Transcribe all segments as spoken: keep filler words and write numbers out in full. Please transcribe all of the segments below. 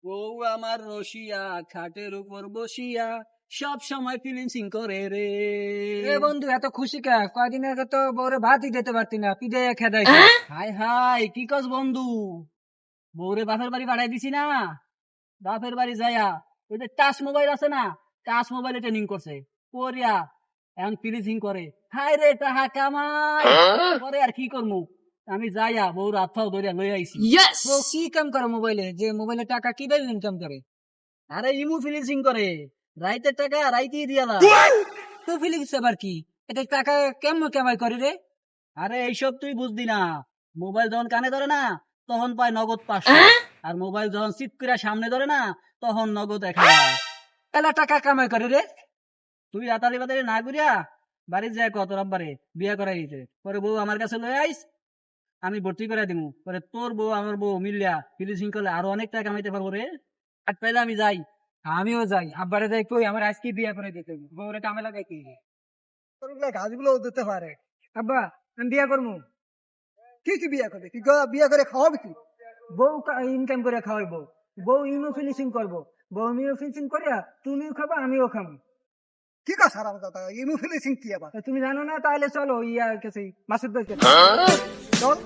বউ আমার রসিয়া খাটের উপর বসিয়া সব সময় ফিলিংসিং করে রে। এ বন্ধু এত খুশি কে? কয়দিন আগে তো বউরে ভাতই দিতে পারতি না, পিঠে খেদাই। হাই হাই কি কস বন্ধু, বউরে বাপের বাড়ি পাঠাই দিছি না। বাপের বাড়ি যাইয়া ওই যে টাচ মোবাইল আছে না, টাচ মোবাইলে ট্রেনিং করছে করিয়া এখন ফিলিংসিং করে। হাই রে টাহা কামাই করে আর কি করবো, আমি যাইয়া বউর হাত ধরিয়া লই আইছি। বউ কি কাম করে মোবাইলে? যে মোবাইলে টাকা কি দেয় ইনকাম করে? আরে ইমু ফিলিংসিং করে, রাইতের টাকা রাইতেই দিয়া না। তো ফিলিংস আবার কি? এটা টাকা কেমন কামাই করে রে? আরে এইসব তুই বুঝবি না, মোবাইল যখন কানে ধরে না তখন পায় নগদ পাঁচশো, আর মোবাইল যখন চিপ করে সামনে ধরে না তখন নগদ এক হাজার। এলা টাকা কামাই করে রে? তুই রাতারি বাতারি না করিয়া বাড়ি যায় কত রব্বারে বিয়ে করাই দিতে, পরে বউ আমার কাছে লয়ে আইস, আমি ভর্তি করে দিমু, পরে তোর বউ আমার বউ মিলিয়া ফিলিংসিং করলে আরো অনেক টাকা কামাইতে পারবো রে। আর পেলে আমি যাই। আমিও যাই, আব্বারে যাই কই আমার আজকে বিয়ে করে দিতে হবে। বউরে কামে লাগাই কি গাছগুলো দিতে পারে। আব্বা আমি বিয়ে করবো। কি কি বিয়ে করবে? কি বিয়ে করে খাওয়াবে কি? বউ ইনকাম করে খাওয়াইবো, বউ ইমো ফিনিশিং করবো, বউ ইমো ফিনিশিং করিয়া তুমিও খাবা আমিও খাবো। কি কথা আরাম কথা, ইমু ফিনিশিং কি আবার? তুমি জানো না? তাহলে চলো ইয়া কাছে মাসুদ ভাই কাছে। চল।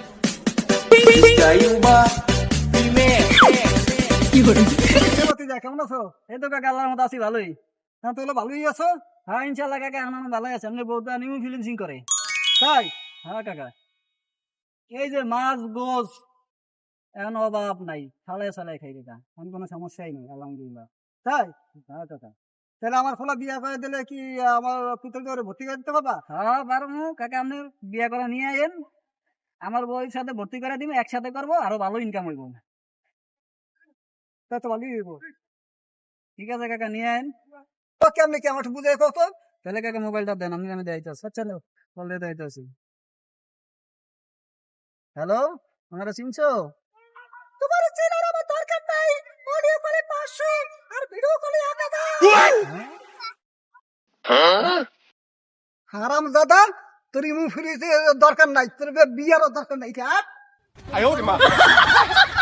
কেমন আছো? এই তো কাকা আল্লাহর মতো আছি ভালোই। হ্যাঁ তাহলে ভালোই আছো। হ্যাঁ ইনশাল্লাহ কাকা আমার ভালোই আছে, এমনি বউ তো আনিও ফিলিংসিং করে। তাই হ্যাঁ কাকা, এই যে মাছ গোস এখন অভাব নাই, সালাই সালাই খাই কাকা, এখন কোনো সমস্যাই নেই আলহামদুলিল্লাহ। তাই হ্যাঁ কাকা। তাহলে আমার ফলা বিয়ে করে দিলে কি আমার পুত্র ভর্তি করে দিতে পারবা? হ্যাঁ পারবো কাকা, আপনি বিয়ে করে নিয়ে আইন, আমার বউয়ের সাথে ভর্তি করে দিব, একসাথে করবো, আরো ভালো ইনকাম হইব। তা তো ভালোই হইব। ঠিক আছে কাকা নিয়ে আইন। তো কেমনি কি আমার বুঝে কত? তাহলে কাকা মোবাইলটা দেন, আমি আমি দেখাইতেছি। আচ্ছা বল দিয়ে দেখাইতেছি। হ্যালো, ওনারা চিনছো? তোমার চেনার আমার দরকার নাই। অডিও কলে পাঁচশো আর ভিডিও কলে এক হাজার। হারাম দাদা, তোর ইমু ফিনিশিং দরকার নাই, তোর বিয়ারও দরকার নাই।